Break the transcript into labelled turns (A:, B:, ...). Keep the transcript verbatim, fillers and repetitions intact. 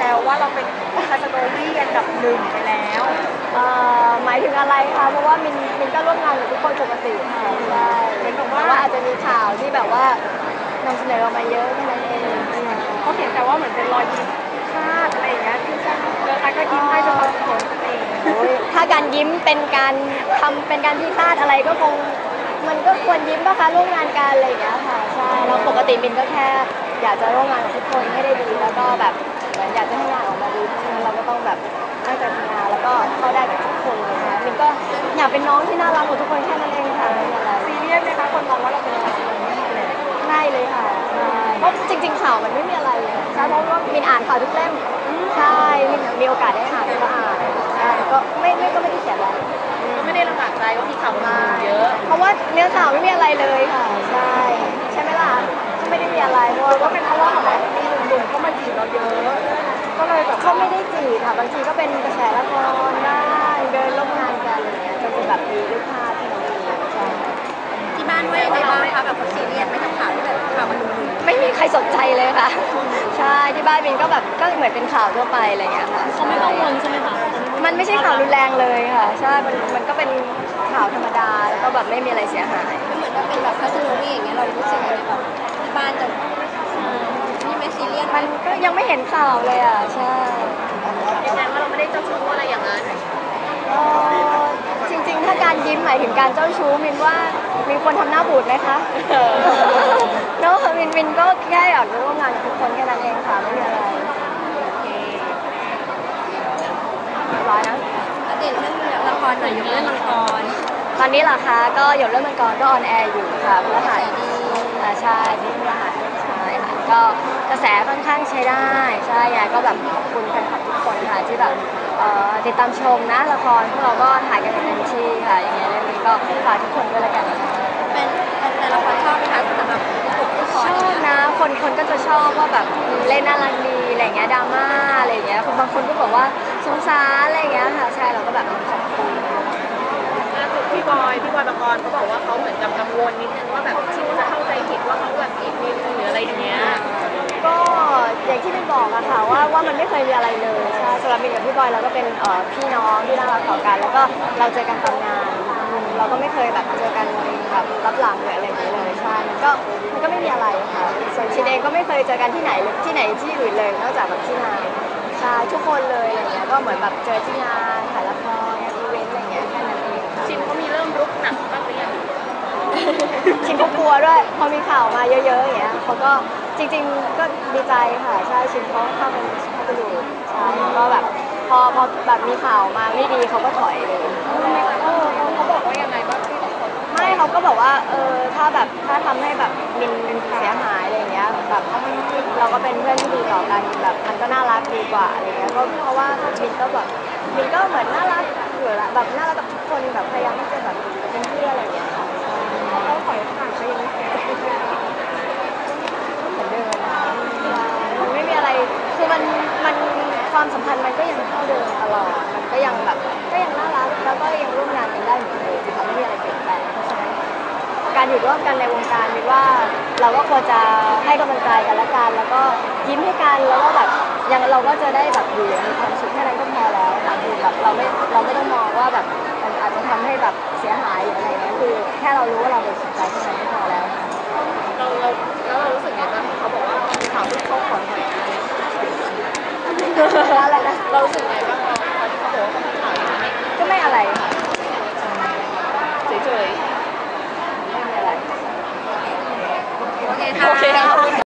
A: วว่าเราเป็นคาสโนวี่อันดับหนึ่งไปแล้ว
B: เอ่อหมายถึงอะไรคะเพราะว่ามินมินก็ร่วมงานกับทุกคนปกติค่ะใช่
A: เหมือนกับ
B: แต่ว่า
A: ว่า
B: อาจจะมีข่าวที่แบบว่านำเสนอออกมาเยอะแค่นั้นเอง
A: เขาเห็นแต่ว่าเหมือนเป็นรอยยิ้มพลาดอะไรอย่างเงี้ยที่ใช่เจอใครก็ยิ้มให้จนเราเขินตัวเอง
B: โอ้ยถ้าการยิ้มเป็นการทำเป็นการที่พลาดอะไรก็คงมันก็ควรยิ้มป่ะคะร่วมงานกันอะไรอย่างเงี้ยค่ะใช่แล้วปกติมินก็แค่อยากจะร่วมงานกับทุกคนให้ได้ดีแล้วก็แบบเหมือนอยากจะให้งานออกมาดีเพราะฉะนั้นเราก็ต้องแบบตั้งใจทำงานแล้วก็เข้าได้กับทุกคนเลยค่ะมินก็อยากเป็นน้องที่น่ารักของทุกคนแค่นั้นเองค่ะไม่มีอะไร
A: ซีเรียสไหมคะคนมองว่าเราเป็นคาสโนวี่เลย
B: ง่ายเลยค่ะใช่เพราะจริงๆข่าวมันไม่มีอะไรเลยใช่เพราะว่ามินอ่านข่าวทุกเล่มใช่มินมีโอกาสได้อ่านก็อ่านใช่ก็ไม่ไม่ก็ไม่ได้เขียนอะไร
A: ก็ไม่ได้ลำบากใจว่ามีข่าวมาเยอะ
B: เพราะว่าเนื้อข่าวไม่มีอะไรเลยค่ะใช่ใช่ไหมล่ะก็ไม่ได้มีอะไรเพราะ
A: หรือว่า
B: ว่า
A: เป็นเพราะว่าแบบมีหนุ่มๆเข้ามาจีบเราเยอะก็เลยแบบ
B: เขาไม่ได้จีบค่ะบางทีก็เป็นกระแสละครบ้างเดินร่วมงานกันอะไรเงี้ยจนจะแบบมีรูปภาพที่เราดูใช่
C: ที่บ้านว่ายังไงบ้างคะแบบเขาซีเรียสไหมกับข่าวที่แบบข่าวมันดู
B: ไม่มีใครสนใจเลยค่ะใช่ที่บ้านมินก็แบบก็เหมือนเป็นข่าวทั่วไปอะไรเงี้ยค่ะเขาไม่กังวลใช่ไหมคะมันไม่ใช่ข่าวรุนแรงเลยค่ะใช่มันมันก็เป็นข่าวธรรมดาแล้วก็แบบไม่มีอะไรเสียหาย
C: มันเหมือนว่าเป็นแบบคาสโนวี่อย่างเงี้ยเรารู้สึกยังไงแบบที่บ้านจะนี่ไม่ซีเรียส
B: มันก็ยังไม่เห็นข่าวเลยอ่ะใช่
C: ยืนยันว่าเราไม่ได้เจ้าชู้อะไรอย่างนั้น
B: เอ่อจริงๆถ้าการยิ้มหมายถึงการเจ้าชู้มินว่ามีคนทำหน้าบูดไหมคะเนาะมินมินก็แค่อยากจะร่วมงานกับทุกคนแค่นั้นเองค่ะไม่มีอะไรเรียบร้อยนะ
C: อัปเดตเรื่องละครหน่อยยกเรื่องละคร
B: ตอนนี้เหรอคะก็หยดเรื่องมังกรก็ออนแอร์อยู่ค่ะพฤหัส
C: ดี
B: อ่าใช่ที่พฤหัสใช่ค่ะก็กระแสค่อนข้างใช้ได้ใช่ยายก็แบบขอบคุณแฟนคลับทุกคนค่ะที่แบบเอ่อติดตามชมนะละครพวกเราก็ถ่ายกันอย่างเต็มที่ค่ะยังไงเรื่องนี้ก็ฝากทุกคนด้วยละกันนะคะ
C: เป็นเป็นละครชอบไหมคะสำหรับผู้ปกผู้ค
B: ช
C: ร
B: อบนะคนคนก็จะชอบว่าแบบเล่นน่ารักดีอะไรเงี้ยดราม่าอะไรเงี้ยบางคนก็บอกว่าสงสารอะไรเงี้ยค่ะใช่เราก็แบบขอบคุณ
A: ล่าสุดพี่บอยพี่บอยปกรณ์เขาบอกว่าเขาเหมือนกับกังวลนิดนึงว่าแบบชิวจะเข้าใจผิดว่าเขาแบบผิดมินหรืออะไรอย่างเงี้ย
B: ก็อย่างที่มินบอกอะค่ะว่าว่ามันไม่เคยมีอะไรเลยใช่สำหรับมินกับพี่บอยเราก็เป็นเอ่อพี่น้องที่น่ารักต่อกันแล้วก็เราเจอกันตามงานอืมเราก็ไม่เคยแบบเจอกันแบบรับหลังหรืออะไรอย่างเงี้ยเลยใช่มันก็มันก็ไม่มีอะไรค่ะส่วนชินเองก็ไม่เคยเจอกันที่ไหนหรือที่ไหนที่อื่นเลยนอกจากแบบที่งานใช่ทุกคนเลยอะไรเงี้ยก็เหมือนแบบเจอที่งานถ่ายละครงานอีเวนต์อะไรเงี้ยแค่นั้นเองค่ะ
A: ชินเขามีเริ่มรุกหนักบ้างหรือยัง
B: ชินเขากลัวด้วยพอมีข่าวมาเยอะๆอย่างเงี้ยเขาก็จริงๆก็ดีใจค่ะใช่ชินเขาเข้าไปเข้าไปดูใช่แล้วก็แบบพอพอแบบมีข่าวมาไม่ดีเขาก็ถอยเลย
A: เออเขาบอกว่ายังไงบ้างที่เขา
B: ไม่เขาก็บอกว่าเออถ้าแบบถ้าทำให้แบบมินมินเสียหายอะไรเงี้ยแบบเราก็เป็นเพื่อนที่ดีต่อกันแบบมันก็น่ารักดีกว่าอะไรเงี้ยก็เพราะว่ามินก็แบบมินก็เหมือนน่ารักอยู่ละแบบน่ารักกับทุกคนแบบพยายามที่จะแบบเป็นเพื่อนอะไรเงี้ยค่ะ
A: เขาถอยห่างไปยังไง
B: เหมือนเดิมนะมันไม่มีอะไร คือมัน มันความสัมพันธ์มันก็ยังเท่าเดิมตลอด มันก็ยังแบบ ก็ยังน่ารัก แล้วก็ยังร่วมงานกันได้เหมือนเดิมค่ะไม่มีอะไรเปลี่ยนแปลงเพราะฉะนั้นการอยู่ร่วมกันในวงการมินว่าเราก็ควรจะให้กำลังใจกันและกัน แล้วก็ยิ้มให้กัน แล้วก็แบบยังเราก็จะได้แบบอยู่อย่างมีความสุขแค่นั้นก็พอแล้วค่ะคือแบบเราไม่ เราไม่ต้องมองว่าแบบมันอาจจะทำให้แบบเสียหายหรืออะไรเงี้ยคือแค่เรารู้ว่าเราเป็นสุขใจแค่นั้นก็พอแล้วค่ะ
A: เราเราแล้วเรารู้สึกไงบ้างเขาบอกว่าข่าวที่เขาขอถอยนะ
B: อะไรนะ
A: เรารู้สึกไงบ้างตอนที่เขาบอกว่าเขามีข่าวอย่างนี้
B: ก็ไม่อะไรค่ะ
A: เฉย
B: ไม่มีอะไร
C: โอเค
A: ๆ
C: ค่ะ
A: โอเคครับ